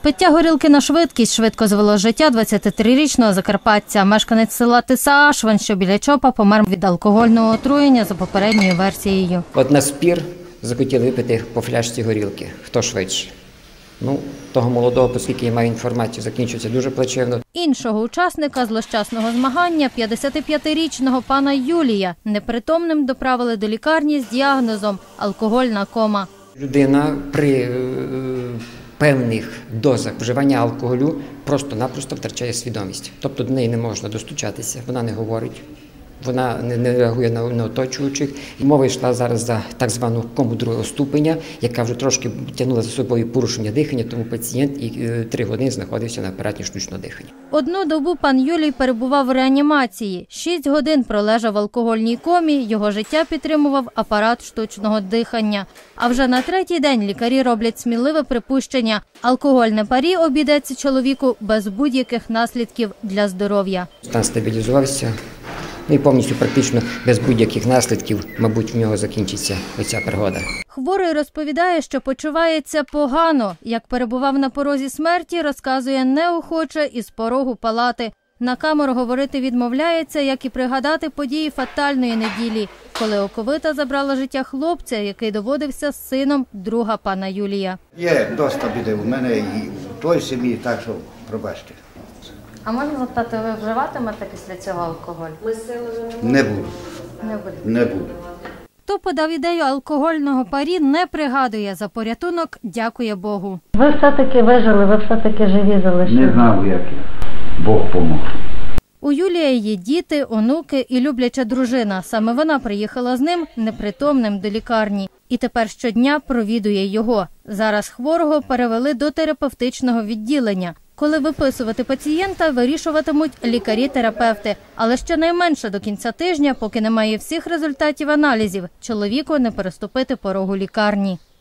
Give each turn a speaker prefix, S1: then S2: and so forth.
S1: Пиття горілки на швидкість швидко звело життя 23-річного закарпатця. Мешканець села Тиса-Ашвен, що біля Чопа, помер від алкогольного отруєння за попередньою версією.
S2: От на спір захотіли випити по фляжці горілки. Хто швидше? Того молодого, оскільки я маю інформацію, закінчується дуже плачевно.
S1: Іншого учасника злощасного змагання, 55-річного пана Юлія, непритомним доправили до лікарні з діагнозом – алкогольна кома.
S2: Людина при певних дозах вживання алкоголю просто-напросто втрачає свідомість. Тобто до неї не можна достучатися, вона не говорить, вона не реагує на оточуючих. І мова йшла зараз за так звану кому другого ступеня, яка вже трошки тягнула за собою порушення дихання, тому пацієнт 3 години знаходився на апараті штучного дихання.
S1: Одну добу пан Юлій перебував в реанімації. 6 годин пролежав в алкогольній комі, його життя підтримував апарат штучного дихання. А вже на 3-й день лікарі роблять сміливе припущення – алкогольне парі обійдеться чоловіку без будь-яких наслідків для здоров'я.
S2: Стан стабілізувався. І повністю практично без будь-яких наслідків, мабуть, в нього закінчиться оця пригода.
S1: Хворий розповідає, що почувається погано. Як перебував на порозі смерті, розказує неохоче із порогу палати. На камеру говорити відмовляється, як і пригадати події фатальної неділі, коли оковита забрала життя хлопця, який доводився сином друга пана Юлія.
S3: Є, доста біди у мене і в той сім'ї, так що пробачте.
S1: А можна запитати, ви вживатимете після цього алкоголь?
S3: Не буду. Не буду.
S1: Хто подав ідею алкогольного парі, не пригадує. За порятунок дякує Богу.
S4: Ви все-таки вижили, ви все-таки живі залишилися.
S3: Не знав, як я. Бог помог.
S1: У Юлія є діти, онуки і любляча дружина. Саме вона приїхала з ним непритомним до лікарні. І тепер щодня провідує його. Зараз хворого перевели до терапевтичного відділення. Коли виписувати пацієнта, вирішуватимуть лікарі-терапевти. Але щонайменше до кінця тижня, поки немає всіх результатів аналізів, чоловіку не переступити порогу лікарні.